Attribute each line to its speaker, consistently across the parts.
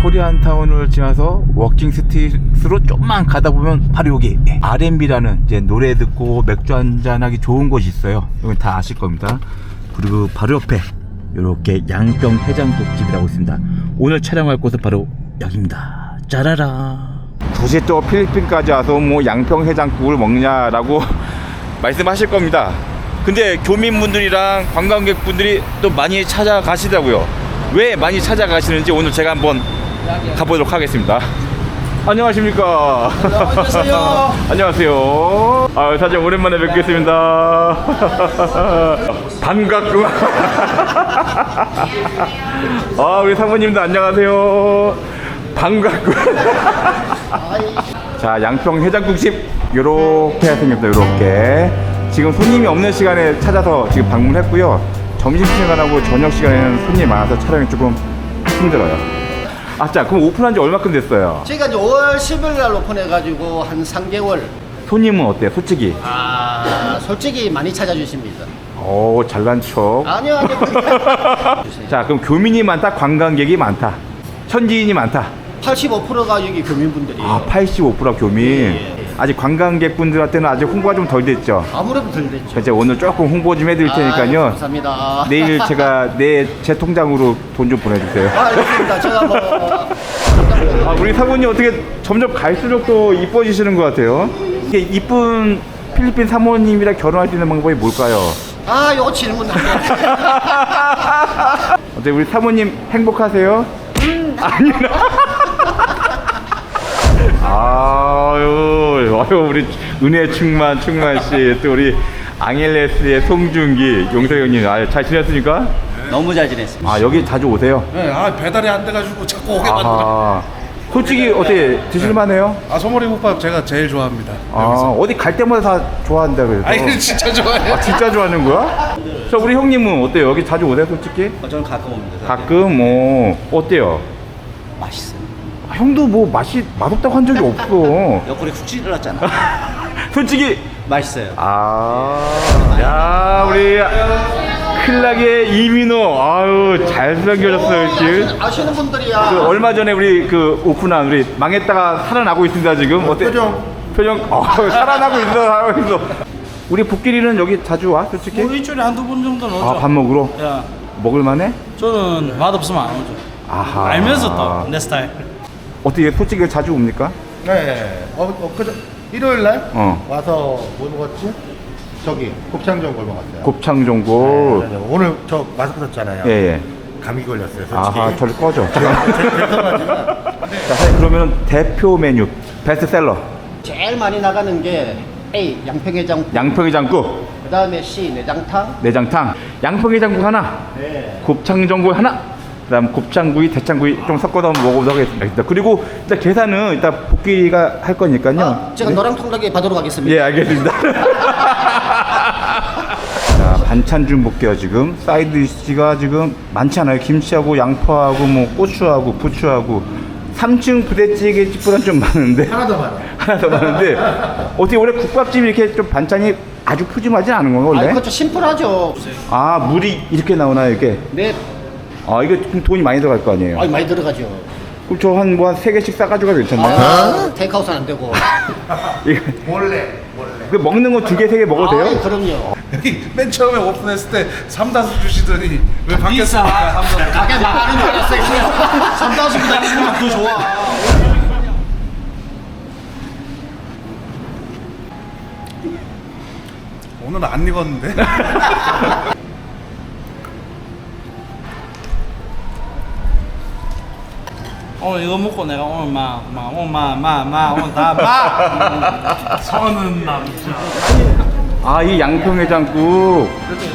Speaker 1: 코리안타운을 지나서 워킹 스트릿으로 좀만 가다 보면 바로 여기 R&B라는 이제 노래 듣고 맥주 한잔하기 좋은 곳이 있어요. 여기 다 아실 겁니다. 그리고 바로 옆에 이렇게 양평 해장국집이라고 있습니다. 오늘 촬영할 곳은 바로 여기입니다. 짜라라. 굳이 또 필리핀까지 와서 뭐 양평 해장국을 먹냐라고 말씀하실 겁니다. 근데 교민분들이랑 관광객분들이 또 많이 찾아가시더라고요. 왜 많이 찾아가시는지 오늘 제가 한번 가보도록 하겠습니다. 안녕하십니까.
Speaker 2: 안녕하세요.
Speaker 1: 안녕하세요. 사장님 오랜만에 뵙겠습니다. 반갑구만. 우리 사모님도 안녕하세요. 반갑구만. 자, 양평 해장국집 요렇게 생겼어요. 요렇게 지금 손님이 없는 시간에 찾아서 지금 방문했고요. 점심시간하고 저녁 시간에는 손님이 많아서 촬영이 조금 힘들어요. 자, 그럼 오픈한 지 얼마큼 됐어요?
Speaker 2: 저희가 이제 5월 10일 날 오픈해가지고 한 3개월.
Speaker 1: 손님은 어때요, 솔직히?
Speaker 2: 솔직히 많이 찾아주십니다.
Speaker 1: 잘난 척.
Speaker 2: 아니요.
Speaker 1: 자, 그럼 교민이 많다, 관광객이 많다, 현지인이 많다.
Speaker 2: 85%가 여기 교민분들이에요.
Speaker 1: 85%가 교민.
Speaker 2: 예.
Speaker 1: 아직 관광객분들한테는 아직 홍보가 좀 덜 됐죠?
Speaker 2: 아무래도 덜 됐죠.
Speaker 1: 이제 오늘 조금 홍보 좀 해드릴 테니까요.
Speaker 2: 감사합니다.
Speaker 1: 내일 제가 제 통장으로 돈 좀 보내주세요.
Speaker 2: 알겠습니다. 제가 뭐.
Speaker 1: 우리 사모님 어떻게 점점 갈수록 또 이뻐지시는 것 같아요. 이게 이쁜 필리핀 사모님이랑 결혼할 수 있는 방법이 뭘까요?
Speaker 2: 요거 질문 안 돼.
Speaker 1: 어때 우리 사모님 행복하세요? 아니라. 아유 우리 은혜 충만 씨, 또 우리 앙헬레스의 송중기 용서형님, 잘 지냈습니까?
Speaker 2: 너무 잘 지냈습니다.
Speaker 1: 여기 자주 오세요?
Speaker 3: 네, 배달이 안 돼가지고 자꾸 오게 만들어.
Speaker 1: 솔직히 어떻게 드실만해요?
Speaker 3: 소머리국밥 제가 제일 좋아합니다.
Speaker 1: 어디 갈 때마다 다 좋아한다 그래서.
Speaker 3: 아니 진짜 좋아해요.
Speaker 1: 진짜 좋아하는 거야? 자, 우리 형님은 어때요? 여기 자주 오세요, 솔직히?
Speaker 2: 저는 가끔 옵니다.
Speaker 1: 가끔. 어때요?
Speaker 2: 맛있어요.
Speaker 1: 형도 뭐 맛없다고 한 적이 없어.
Speaker 2: 옆구리 훅 찔렀잖아.
Speaker 1: 솔직히.
Speaker 2: 맛있어요.
Speaker 1: 야, 우리 클락의 이민호. 잘생겨졌어요, 지금.
Speaker 2: 아시는 분들이야.
Speaker 1: 얼마 전에 우리 오픈한 우리 망했다가 살아나고 있습니다, 지금. 어때? 표정. 살아나고 있어. 우리 복길이는 여기 자주 와, 솔직히?
Speaker 4: 뭐 일주일에 한두 번 정도는 오죠.
Speaker 1: 밥 먹으러?
Speaker 4: 야,
Speaker 1: 먹을만해?
Speaker 4: 저는 맛없으면 안 오죠. 알면서 또 내 스타일.
Speaker 1: 어떻게 솔직히 자주 옵니까?
Speaker 5: 네. 일요일 날
Speaker 1: 와서
Speaker 5: 뭐 먹었지? 저기 곱창전골 먹었어요.
Speaker 1: 곱창전골.
Speaker 5: 네. 오늘 저 마스크 썼잖아요.
Speaker 1: 예.
Speaker 5: 감기 걸렸어요. 솔직히.
Speaker 1: 저리 꺼져. 자, 사장님 그러면 대표 메뉴 베스트셀러.
Speaker 2: 제일 많이 나가는 게 A 양평해장국.
Speaker 1: 양평해장국.
Speaker 2: 그 다음에 C 내장탕.
Speaker 1: 내장탕. 양평해장국 하나.
Speaker 2: 네.
Speaker 1: 곱창전골 하나. 그다음 곱창구이, 대창구이 좀 섞어서 먹어보도록 하겠습니다. 그리고 일단 계산은 일단 복귀가 할 거니까요.
Speaker 2: 제가 너랑 통닭에 받도록 하겠습니다.
Speaker 1: 예, 알겠습니다. 자, 반찬 좀 볼게요. 지금 사이드 디시가 지금 많지 않아요. 김치하고 양파하고 뭐 고추하고 부추하고 3층 부대찌개 집보다는 좀 많은데
Speaker 5: 하나 더 많아.
Speaker 1: 하나 더 많은데 어떻게 원래 국밥집이 이렇게 좀 반찬이 아주 푸짐하지 않은 건가 원래?
Speaker 2: 그렇죠. 심플하죠.
Speaker 1: 물이 이렇게 나오나요, 이렇게?
Speaker 2: 네.
Speaker 1: 이거 좀 돈이 많이 들어갈 거 아니에요?
Speaker 2: 많이 들어가죠.
Speaker 1: 그럼 저 한 3개씩 싸가지고 가도 괜찮나요?
Speaker 2: 테이크아웃은 안 되고.
Speaker 1: 이거
Speaker 5: 몰래.
Speaker 1: 그 먹는 거 2개, 3개 먹어도 돼요?
Speaker 2: 그럼요.
Speaker 3: 여기 맨 처음에 오픈했을 때 삼다수 주시더니 왜 바뀌었습니까?
Speaker 2: 가게 망하는 줄 알았어요. 3,000원 나가면 더 좋아.
Speaker 3: 오늘 안 익었는데.
Speaker 4: 오늘 이거 먹고 내가 오늘 오늘 다 서는 남자.
Speaker 1: 이 양평해장국.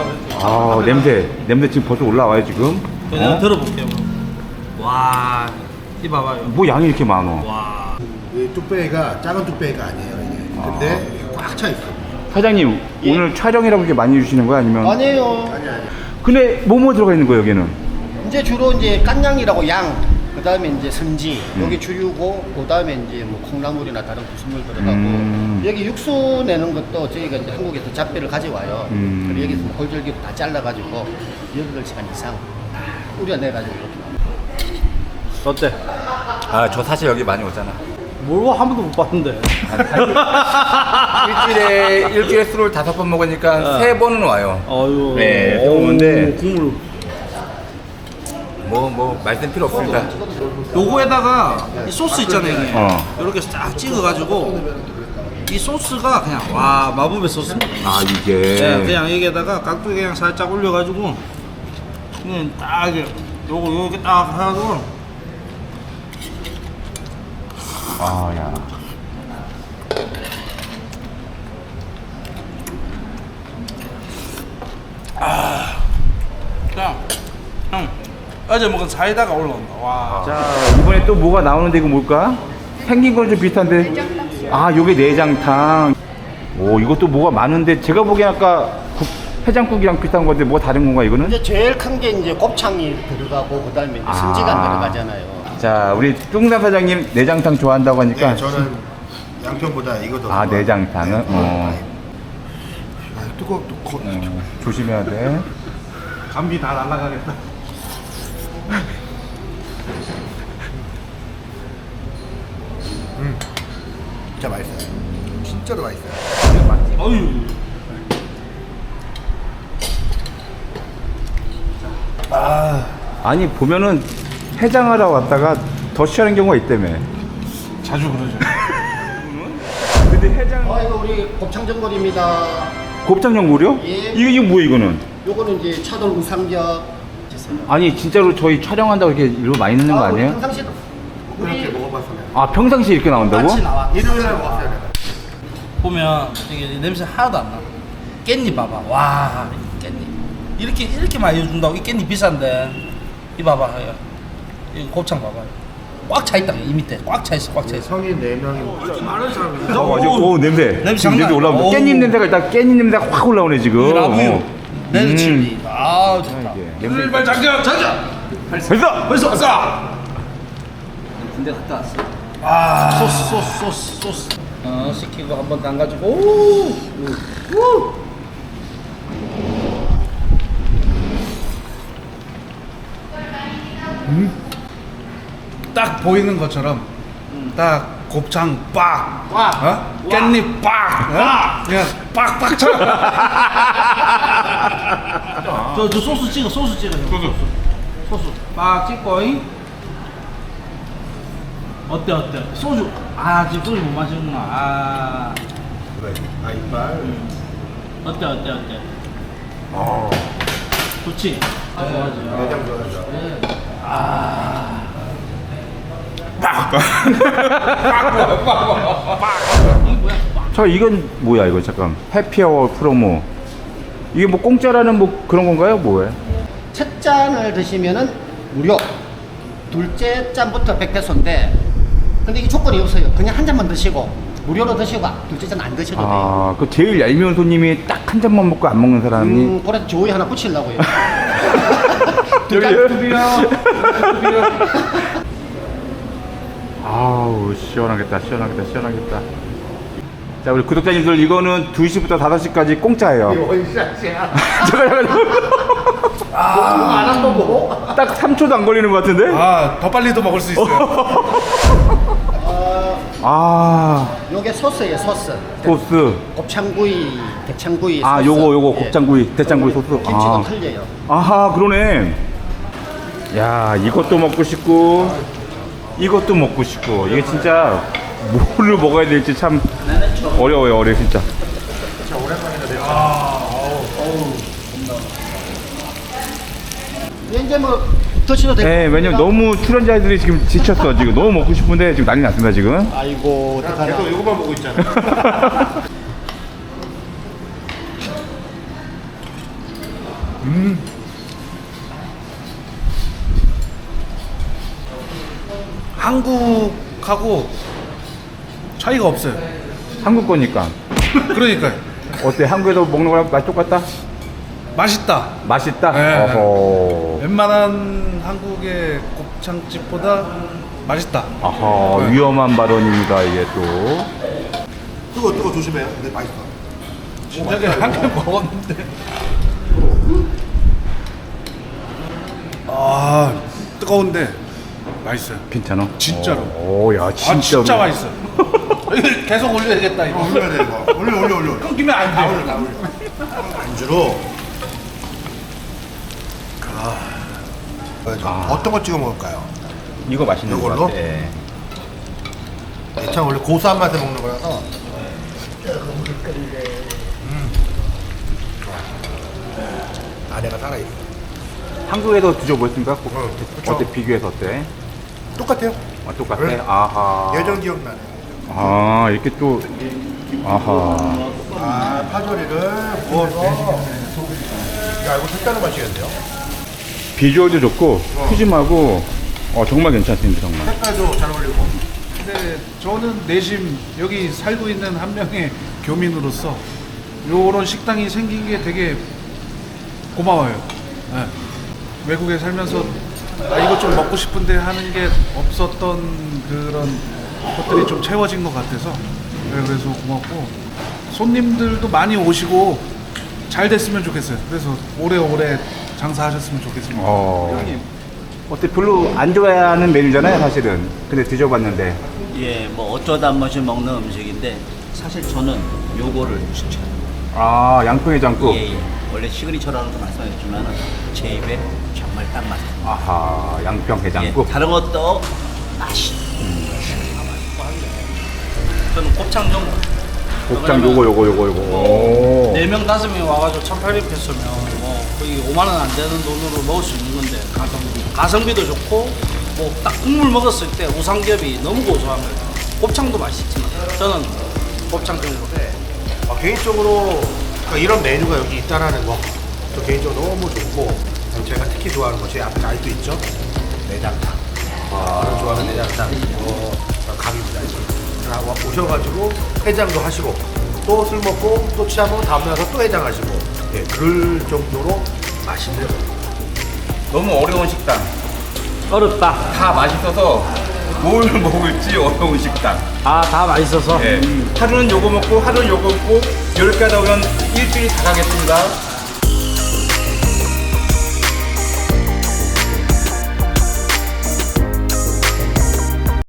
Speaker 1: 냄새 지금 벌써 올라와요, 지금.
Speaker 4: 그냥 들어볼게요. 와, 이 봐봐요.
Speaker 1: 뭐 양이 이렇게 많어.
Speaker 4: 와,
Speaker 5: 이 뚝배기가 작은 뚝배기가 아니에요, 이게. 근데 꽉 차 있어.
Speaker 1: 사장님, 오늘 촬영이라고 이렇게 많이 주시는 거야? 아니면?
Speaker 2: 아니에요.
Speaker 1: 근데 뭐뭐 들어가 있는 거예요, 여기는?
Speaker 2: 이제 주로 이제 깐양이라고 양. 그 다음에 이제 선지, 여기 주유고, 그 다음에 이제 뭐 콩나물이나 다른 구수물 들어가고, 여기 육수 내는 것도 저희가 이제 한국에서 잡배를 가져와요. 그리고 여기서 골절기로 다 잘라가지고 8시간 이상 우려내가지고 이렇게 나옵니다.
Speaker 1: 어때? 아, 저 사실 여기 많이 오잖아.
Speaker 4: 뭘 한 번도 못 봤는데.
Speaker 1: 일주일에 술을 5번 먹으니까 3번은 와요.
Speaker 4: 아유.
Speaker 1: 네,
Speaker 4: 어우,
Speaker 1: 오는데.
Speaker 4: 국물.
Speaker 1: 뭐 말씀 필요 없습니다.
Speaker 4: 요거에다가 이 소스 있잖아요, 형님.
Speaker 1: 어.
Speaker 4: 이렇게 쫙 찍어가지고 이 소스가 그냥 와 마법의 소스입니다.
Speaker 1: 아, 이게.
Speaker 4: 네, 그냥 여기에다가 깍두기 그냥 살짝 올려가지고 그냥 딱 이렇게 요거 딱 하고
Speaker 1: 아, 야.
Speaker 4: 그냥 형 어제 먹은 사이다가 올라온다. 와.
Speaker 1: 자, 이번에 또 뭐가 나오는데 이거 뭘까? 생긴 건 좀 비슷한데. 아, 요게 내장탕. 오, 이것도 뭐가 많은데 제가 보기엔 아까 해장국이랑 비슷한 건데 뭐가 다른 건가 이거는?
Speaker 2: 이제 제일 큰 게 이제 곱창이 들어가고 그다음에 이제 승지가 들어가잖아요.
Speaker 1: 자, 우리 뚱남 사장님 내장탕 좋아한다고 하니까.
Speaker 5: 네, 저는 양평보다 이거 더
Speaker 1: 아,
Speaker 5: 좋아해요.
Speaker 1: 내장탕은? 어.
Speaker 5: 아, 뜨거워.
Speaker 1: 조심해야 돼.
Speaker 3: 감기 다 날아가겠다.
Speaker 5: 진짜 맛있어요. 진짜로 맛있어요.
Speaker 4: 어유.
Speaker 1: 아니, 보면은 해장하러 왔다가 더 취하는 경우가 있다며.
Speaker 3: 자주 그러죠.
Speaker 1: 근데 해장.
Speaker 2: 이거 우리 곱창 전골입니다.
Speaker 1: 곱창용 무료?
Speaker 2: 예.
Speaker 1: 이게 뭐야 이거는?
Speaker 2: 요거는 이제 차돌 우삼겹 주세요.
Speaker 1: 아니 진짜로 저희 촬영한다고 이렇게 이거 많이 넣는 거
Speaker 2: 우리
Speaker 1: 아니에요?
Speaker 2: 평상시도
Speaker 5: 그렇게
Speaker 2: 우리
Speaker 5: 먹어봤어요.
Speaker 1: 아, 평상시에 이렇게 나온다고?
Speaker 4: 같이 나와.
Speaker 5: 일요일 날 먹었어요. 내가.
Speaker 4: 보면 이게 냄새 하나도 안 나. 깻잎 봐봐. 와, 이 깻잎. 이렇게 많이 준다고. 이 깻잎 비싼데. 이 봐봐. 이 곱창 봐봐. 꽉 차 있다. 이 밑에 꽉 차 있어. 꽉 차 있어.
Speaker 5: 성인 4명이
Speaker 4: 이렇게 많은 사람이.
Speaker 1: 맞아. 오, 냄새.
Speaker 4: 냄새
Speaker 1: 지금
Speaker 4: 장난
Speaker 1: 냄새 올라오고
Speaker 4: 아니야.
Speaker 1: 깻잎
Speaker 4: 어우.
Speaker 1: 냄새가 일단 깻잎 냄새가 확 올라오네 지금.
Speaker 4: 라뷰. 레드
Speaker 1: 음.
Speaker 4: 칠리. 아, 좋다.
Speaker 1: 이게 냄새.
Speaker 3: 출발 장전! 장전!
Speaker 1: 벌써.
Speaker 3: 벌써 왔어!
Speaker 4: 군대 갔다 왔어. 아, 소스. 시키고 한번 담가지고. 오.
Speaker 3: 딱 보이는 것처럼 딱 곱창 빡! 어? 깻잎 빡! 어? 그냥 빡빡 쳐!
Speaker 4: 저 소스 찍어. 소스. 빡 찍고. 잉? 어때? 소주. 아, 지금 소주 못 마시는구나. 아.
Speaker 5: 그래. 아, 이빨.
Speaker 4: 어때? 좋지? 좋아하지.
Speaker 5: 내장 좋아하죠.
Speaker 1: 저 이건 뭐야 이거 잠깐. 해피아워 프로모. 이게 뭐 공짜라는 뭐 그런 건가요? 뭐예요?
Speaker 2: 첫 잔을 드시면은 무료. 둘째 잔부터 100페소인데 근데 이게 조건이 없어요. 그냥 한 잔만 드시고 무료로 드시고 둘째 잔 안 드셔도 돼요.
Speaker 1: 아, 그 제일 얄미운 손님이 딱 한 잔만 먹고 안 먹는 사람이.
Speaker 2: 그래서 조이 하나 붙이려고요.
Speaker 1: 아우, 시원하겠다. 자, 우리 구독자님들 이거는 2시부터 5시까지 공짜예요.
Speaker 5: 원샷이야.
Speaker 1: 잠깐.
Speaker 2: 안 한번 보고.
Speaker 1: 딱 3초도 안 걸리는 것 같은데?
Speaker 3: 아, 더 빨리도 먹을 수 있어요.
Speaker 1: 아,
Speaker 2: 요게 소스예요, 소스.
Speaker 1: 소스.
Speaker 2: 곱창구이, 대창구이.
Speaker 1: 아,
Speaker 2: 소스.
Speaker 1: 요거
Speaker 2: 예.
Speaker 1: 곱창구이, 대창구이 소스.
Speaker 2: 김치도
Speaker 1: 아.
Speaker 2: 틀려요.
Speaker 1: 아하, 그러네. 야, 이것도 먹고 싶고, 이것도 먹고 싶고. 이게 진짜 뭐를 먹어야 될지 참 어려워요, 진짜.
Speaker 2: 이제 뭐 드셔도 되고.
Speaker 1: 네, 왜냐면 너무 출연자들이 지금 지쳤어. 지금 너무 먹고 싶은데 지금 난리 났습니다, 지금.
Speaker 2: 아이고, 어떡하나.
Speaker 5: 계속 이거만 보고 있잖아.
Speaker 3: 한국하고 차이가 없어요.
Speaker 1: 한국 거니까.
Speaker 3: 그러니까요.
Speaker 1: 어때? 한국에서 먹는 거랑 맛 똑같다?
Speaker 3: 맛있다.
Speaker 1: 맛있다?
Speaker 3: 네.
Speaker 1: 어허.
Speaker 3: 웬만한 한국의 곱창집보다 맛있다.
Speaker 1: 아하, 위험한 발언입니다, 이게 또.
Speaker 5: 뜨거 조심해요. 근데 맛있어.
Speaker 3: 진작에 한 개 먹었는데. 아, 뜨거운데 맛있어요.
Speaker 1: 괜찮아?
Speaker 3: 진짜로.
Speaker 1: 오야
Speaker 3: 아
Speaker 1: 진짜로.
Speaker 3: 진짜 맛있어. 계속 올려야겠다 이거.
Speaker 5: 올려야 돼 이거. 올려.
Speaker 3: 끊기면 안 돼.
Speaker 5: 올려. 안주로. 어떤 거 찍어 먹을까요?
Speaker 1: 이거 맛있는 거
Speaker 5: 이걸로?
Speaker 1: 같아.
Speaker 5: 대창 원래 고소한 맛에 먹는 거라서. 안에가 살아있어.
Speaker 1: 한국에서 드셔보셨습니까?
Speaker 5: 그쵸.
Speaker 1: 어때 비교해서 어때?
Speaker 5: 똑같아요.
Speaker 1: 아, 똑같아?
Speaker 5: 네.
Speaker 1: 아하.
Speaker 5: 예전 기억나네.
Speaker 1: 아 이렇게 또 아하.
Speaker 5: 아 파절이를 구워서. 야 이거 색다른 맛이겠네요.
Speaker 1: 비주얼도 좋고 푸짐하고 정말 괜찮습니다 정말.
Speaker 5: 색깔도 잘 어울리고.
Speaker 3: 근데 저는 내심 여기 살고 있는 한 명의 교민으로서 요런 식당이 생긴 게 되게 고마워요. 네. 외국에 살면서 이것 좀 먹고 싶은데 하는 게 없었던 그런 것들이 좀 채워진 것 같아서 네, 그래서 고맙고 손님들도 많이 오시고 잘 됐으면 좋겠어요. 그래서 오래오래 장사하셨으면 좋겠습니다.
Speaker 1: 어때 별로 안 좋아하는 메뉴잖아요 사실은. 근데 드셔봤는데
Speaker 6: 예, 뭐 어쩌다 한 번씩 먹는 음식인데 사실 저는 요거를 추천.
Speaker 1: 아 양평해장국.
Speaker 6: 예, 예. 원래 시그니처라고도 말씀하셨지만 제 입에 정말 딱 맞아요.
Speaker 1: 아하 양평해장국.
Speaker 6: 예, 다른 것도 맛이. 저는 곱창 정도.
Speaker 1: 곱창 요거. 오.
Speaker 4: 4명 5명이 와가지고 1,800페소면 뭐 거의 5만 원 안 되는 돈으로 먹을 수 있는 건데 가성비도 좋고 뭐 딱 국물 먹었을 때 우삼겹이 너무 고소한 거예요. 곱창도 맛있지만 저는 곱창 정도.
Speaker 5: 개인적으로 이런 메뉴가 여기 있다라는 거, 저 개인적으로 너무 좋고, 제가 특히 좋아하는 거, 제 앞에 알도 있죠? 내장탕. 저는 좋아하는 내장탕. 갑입니다. 하고 오셔가지고 해장도 하시고, 또 술 먹고, 또 취하면 다음날 와서 또 해장하시고, 예, 그럴 정도로 맛있는.
Speaker 1: 너무 어려운 식당.
Speaker 4: 어렵다.
Speaker 1: 다 맛있어서 뭘 먹을지 어려운 식당.
Speaker 4: 아, 다 맛있어서.
Speaker 1: 예. 하루는 요거 먹고 하루는 요거 먹고 이렇게 하다 보면 일주일이 다 가겠습니다.